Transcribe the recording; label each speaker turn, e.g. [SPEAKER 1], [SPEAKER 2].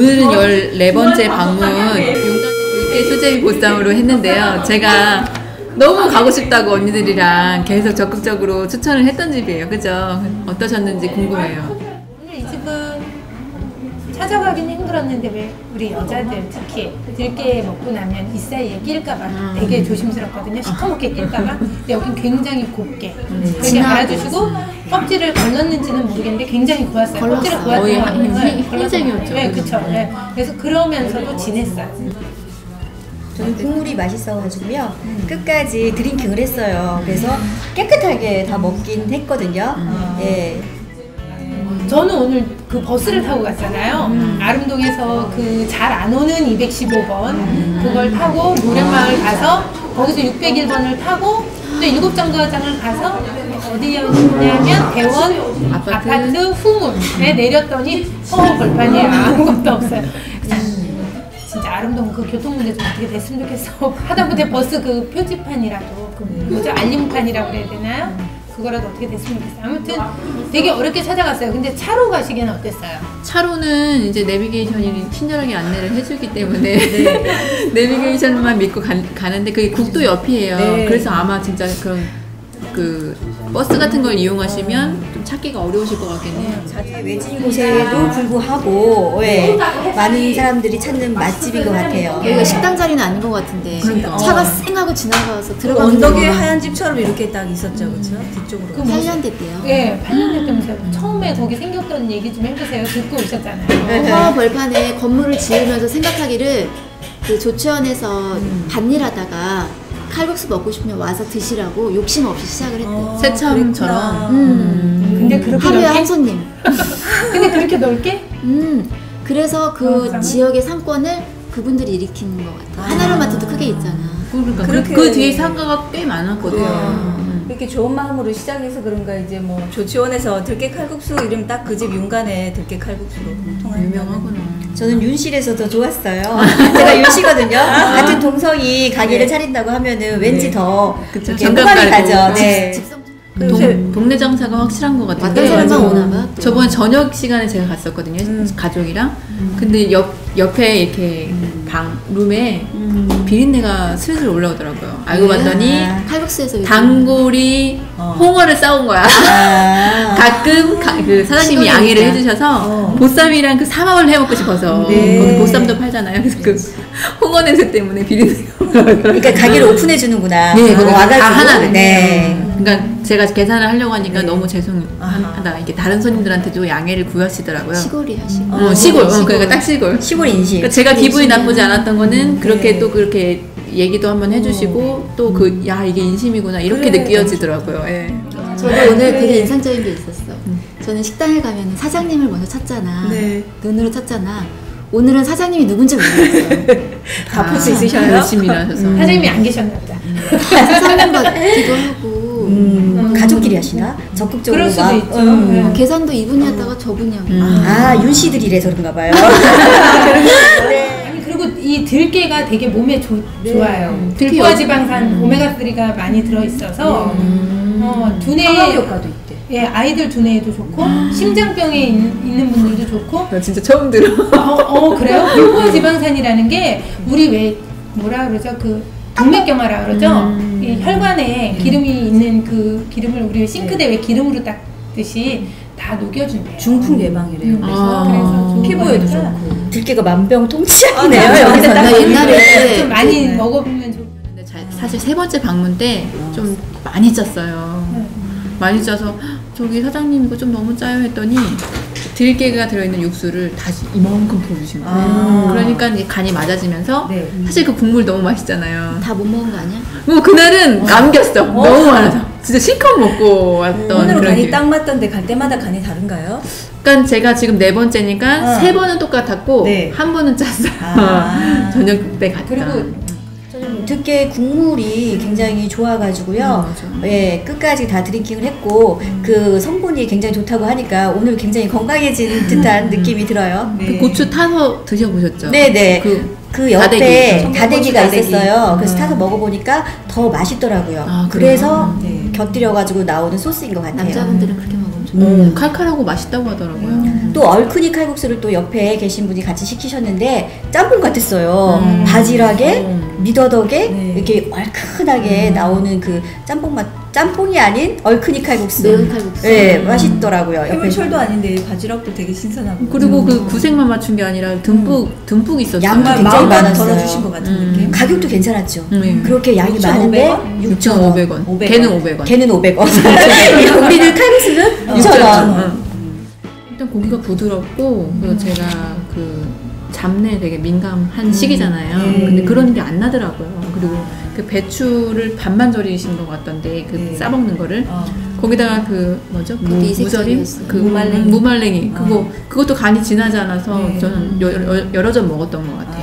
[SPEAKER 1] 오늘은 14번째 방문 용담 수제비 보쌈으로 했는데요. 제가 너무 가고 싶다고 언니들이랑 계속 적극적으로 추천을 했던 집이에요. 그죠? 어떠셨는지 궁금해요.
[SPEAKER 2] 오늘 이 집은 찾아가긴 힘들었는데 왜 우리 여자들 특히 들깨 먹고 나면 이 사이에 낄까봐 되게 조심스럽거든요. 시커멓게 낄까봐. 근데 여긴 굉장히 곱게 되게 알아주시고 껍질을 걸렀는지는 모르겠는데 굉장히 고왔어요. 껍질을
[SPEAKER 1] 거의
[SPEAKER 2] 고왔어요.
[SPEAKER 1] 흰색이었죠.
[SPEAKER 2] 네, 그렇죠. 네. 그래서 그러면서도 진했어요.
[SPEAKER 3] 저는 국물이 맛있어가지고요. 끝까지 드링킹을 했어요. 그래서 깨끗하게 다 먹긴 했거든요. 예.
[SPEAKER 2] 저는 오늘 그 버스를 타고 갔잖아요. 아름동에서 그 잘 안 오는 215번 그걸 타고 노량마을 가서 거기서 601번을 타고 또 7정거장을 가서 어디였냐면 대원 아파트 후문에 내렸더니 벌판이에요. 아무것도 없어요. 진짜 아름다운 그 교통 문제 좀 어떻게 됐으면 좋겠어. 하다못해 버스 그 표지판이라도 그 뭐죠? 알림판이라고 그래야 되나요? 그거라도 어떻게 됐으면 좋겠어요. 아무튼 되게 어렵게 찾아갔어요. 근데 차로 가시기는 어땠어요?
[SPEAKER 1] 차로는 이제 내비게이션이 친절하게 안내를 해주기 때문에 내비게이션만 믿고 가는데 그게 국도 옆이에요.
[SPEAKER 3] 네.
[SPEAKER 1] 그래서 아마 진짜 그런 그 버스 같은 걸 이용하시면 좀 찾기가 어려우실 것 같겠네요.
[SPEAKER 3] 외진 곳에도 불구하고 예, 많은 사람들이 찾는 맛집인 것 같아요.
[SPEAKER 4] 여기가 식당 자리는 아닌 것 같은데
[SPEAKER 1] 그러니까.
[SPEAKER 4] 차가 쌩하고 지나가서 들어가는
[SPEAKER 5] 언덕에 하얀 집처럼 이렇게 딱 있었죠, 그렇죠? 뒤쪽으로.
[SPEAKER 2] 그
[SPEAKER 4] 8년 됐대요.
[SPEAKER 2] 네, 8년 됐다면서요. 처음에 거기 생겼던 얘기 좀 해보세요. 듣고 오셨잖아요.
[SPEAKER 4] 허 벌판에 건물을 지으면서 생각하기를 그 조치원에서 밭일하다가 칼국수 먹고 싶으면 와서 드시라고 욕심 없이 시작을 했대요.
[SPEAKER 1] 새참처럼.
[SPEAKER 2] 근데 그렇게
[SPEAKER 4] 하루에
[SPEAKER 2] 넓게?
[SPEAKER 4] 한 손님.
[SPEAKER 2] 근데 그렇게 넓게?
[SPEAKER 4] 그래서 그 지역의 상권을 그분들이 일으키는 것 같아요. 하나로마트도 크게 있잖아.
[SPEAKER 1] 그러니까
[SPEAKER 5] 그렇게-
[SPEAKER 1] 그 뒤에 상가가 꽤 많았거든요.
[SPEAKER 5] 이렇게 좋은 마음으로 시작해서 그런가 이제 뭐 조치원에서 들깨 칼국수 이름 딱 그 집 윤간에 들깨 칼국수로 통하는
[SPEAKER 1] 유명하구나.
[SPEAKER 3] 저는 윤실에서 더 좋았어요. 제가 윤씨거든요. 같은 동성이 가게를 차린다고 하면은 왠지 더
[SPEAKER 1] 그쵸.
[SPEAKER 3] 이렇게
[SPEAKER 1] 장갑
[SPEAKER 3] 호감이
[SPEAKER 1] 깔고.
[SPEAKER 3] 가죠. 네.
[SPEAKER 4] 집성
[SPEAKER 1] 동네 장사가 확실한 것 같아요.
[SPEAKER 4] 왔던 사람만 오나 봐. 또.
[SPEAKER 1] 저번에 저녁 시간에 제가 갔었거든요. 가족이랑. 근데 옆에 이렇게 룸에 비린내가 슬슬 올라오더라고요. 알고 봤더니
[SPEAKER 4] 칼국수에서 요즘
[SPEAKER 1] 단골이 홍어를 싸온 거야. 가끔 그 사장님이
[SPEAKER 4] 시골이니까.
[SPEAKER 1] 양해를 해주셔서 보쌈이랑 그 삼합을 해먹고 싶어서 거기 보쌈도 팔잖아요. 그래서 그 홍어 냄새 때문에 비린내가 올라오더라고요.
[SPEAKER 3] 그러니까 가게를 오픈해 주는구나.
[SPEAKER 1] 네, 그거
[SPEAKER 3] 와가지고.
[SPEAKER 1] 다 하나를.
[SPEAKER 3] 네.
[SPEAKER 1] 그러니까 제가 계산을 하려고 하니까 너무 죄송하다. 이게 다른 손님들한테도 양해를 구하시더라고요.
[SPEAKER 4] 시골이야 시골.
[SPEAKER 1] 시골. 그러니까 딱 시골.
[SPEAKER 3] 시골 인식.
[SPEAKER 1] 그러니까 제가 기분이 나쁘지 않았던 거는 그렇게 또 그렇게 얘기도 한번 해주시고 또 그 야 이게 인심이구나 이렇게 느껴지더라고요. 예.
[SPEAKER 4] 저도 오늘 되게 인상적인 게 있었어. 저는 식당에 가면 사장님을 먼저 찾잖아.
[SPEAKER 5] 네.
[SPEAKER 4] 눈으로 찾잖아. 오늘은 사장님이 누군지 모르겠어요.
[SPEAKER 5] 다 볼 수 있으셔요?
[SPEAKER 1] 열심히 일하셔서.
[SPEAKER 2] 사장님이 안 계셨나 보다.
[SPEAKER 4] 사장님 같기도 하고
[SPEAKER 3] 가족끼리 하시나? 적극적으로
[SPEAKER 2] 그럴 수도
[SPEAKER 3] 막.
[SPEAKER 2] 있죠. 네.
[SPEAKER 4] 계산도 이분이 하다가 저분이 하고
[SPEAKER 3] 아, 윤씨들이래서 그런가 봐요.
[SPEAKER 2] 아니 그리고 이 들깨가 되게 몸에 좋아요. 들깨와 지방산 오메가3가 많이 들어있어서 두뇌
[SPEAKER 5] 항암 효과도 있대.
[SPEAKER 2] 예, 아이들 두뇌에도 좋고 심장병에 있는 분들도 좋고
[SPEAKER 1] 나 진짜 처음 들어.
[SPEAKER 2] 그래요? 들깨와 지방산이라는 게 우리 왜 뭐라 그러죠? 그 동맥경화라 그러죠? 이 혈관에 기름이 있는 그 기름을 우리 싱크대 왜 기름으로 닦듯이 다 녹여준대요.
[SPEAKER 5] 중풍 예방이래요.
[SPEAKER 2] 그래서
[SPEAKER 5] 피부에도
[SPEAKER 2] 좋고.
[SPEAKER 5] 좋고.
[SPEAKER 3] 들깨가 만병통치약이네요.
[SPEAKER 5] 아,
[SPEAKER 3] 여기서 딱
[SPEAKER 4] 나 옛날에
[SPEAKER 2] 좀 많이 먹어보면 좋.
[SPEAKER 1] 근데 사실 세 번째 방문 때 좀 많이 짰어요. 많이 짜서 저기 사장님 이거 좀 너무 짜요 했더니 들깨가 들어있는 육수를 다시 이만큼 부어주신 거예요. 그러니까 이제 간이 맞아지면서
[SPEAKER 5] 네.
[SPEAKER 1] 사실 그 국물 너무 맛있잖아요.
[SPEAKER 4] 다 못 먹은 거 아니야?
[SPEAKER 1] 그날은 남겼어. 너무 많아서 진짜 실컷 먹고 왔던
[SPEAKER 5] 오늘은
[SPEAKER 1] 그런
[SPEAKER 5] 간이
[SPEAKER 1] 기분.
[SPEAKER 5] 딱 맞던데 갈 때마다 간이 다른가요?
[SPEAKER 1] 그러니까 제가 지금 4번째니까 3번은 똑같았고
[SPEAKER 5] 네.
[SPEAKER 1] 한 번은 짰어요.
[SPEAKER 5] 아.
[SPEAKER 1] 저녁 때 갔다.
[SPEAKER 2] 그리고
[SPEAKER 3] 저는 들깨 국물이 굉장히 좋아가지고요. 예, 끝까지 다 드링킹을 했고 그 성분이 굉장히 좋다고 하니까 오늘 굉장히 건강해진 듯한 느낌이 들어요.
[SPEAKER 1] 그 고추 타서 드셔보셨죠?
[SPEAKER 3] 네네. 그 옆에
[SPEAKER 1] 다대기.
[SPEAKER 3] 다대기가
[SPEAKER 5] 다대기.
[SPEAKER 3] 있었어요. 그래서 타서 먹어보니까 더 맛있더라고요.
[SPEAKER 1] 아, 그래요?
[SPEAKER 3] 그래서 곁들여가지고 나오는 소스인 것 같아요.
[SPEAKER 4] 남자분들은 그렇게 먹으면
[SPEAKER 1] 칼칼하고 맛있다고 하더라고요.
[SPEAKER 3] 또 얼큰이 칼국수를 또 옆에 계신 분이 같이 시키셨는데 짬뽕 같았어요. 바지락에 미더덕에
[SPEAKER 5] 네.
[SPEAKER 3] 이렇게 얼큰하게 나오는 그 짬뽕 맛, 짬뽕이 아닌 얼큰이 칼국수.
[SPEAKER 4] 매운 칼국수.
[SPEAKER 3] 네, 맛있더라고요. 옆에
[SPEAKER 5] 해물철도 아닌데 바지락도 되게 신선하고.
[SPEAKER 1] 그리고 그 구색만 맞춘 게 아니라 듬뿍 있었어요.
[SPEAKER 3] 양도
[SPEAKER 5] 정말
[SPEAKER 3] 굉장히
[SPEAKER 5] 마음만
[SPEAKER 3] 많았어요.
[SPEAKER 5] 덜어주신 것 같은 느낌.
[SPEAKER 3] 가격도 괜찮았죠.
[SPEAKER 1] 그렇게
[SPEAKER 3] 양이
[SPEAKER 5] 6,500원?
[SPEAKER 3] 많은데
[SPEAKER 1] 6,500원.
[SPEAKER 5] 500원.
[SPEAKER 1] 걔는 500원.
[SPEAKER 3] 걔는 500원. 우리는 칼국수는 2,000원.
[SPEAKER 1] 일단 고기가 부드럽고 그리고 제가 그 잡내에 되게 민감한 시기잖아요. 근데 그런 게 안 나더라고요. 그리고 그 배추를 반만 절이신 것 같던데 그 싸먹는 거를 거기다가 그 뭐죠?
[SPEAKER 4] 그게
[SPEAKER 1] 무절임?
[SPEAKER 4] 이색적이었어요.
[SPEAKER 1] 그
[SPEAKER 5] 무말랭이.
[SPEAKER 1] 무말랭이. 그것도 간이 진하지 않아서 저는 여러 점 먹었던 것 같아요.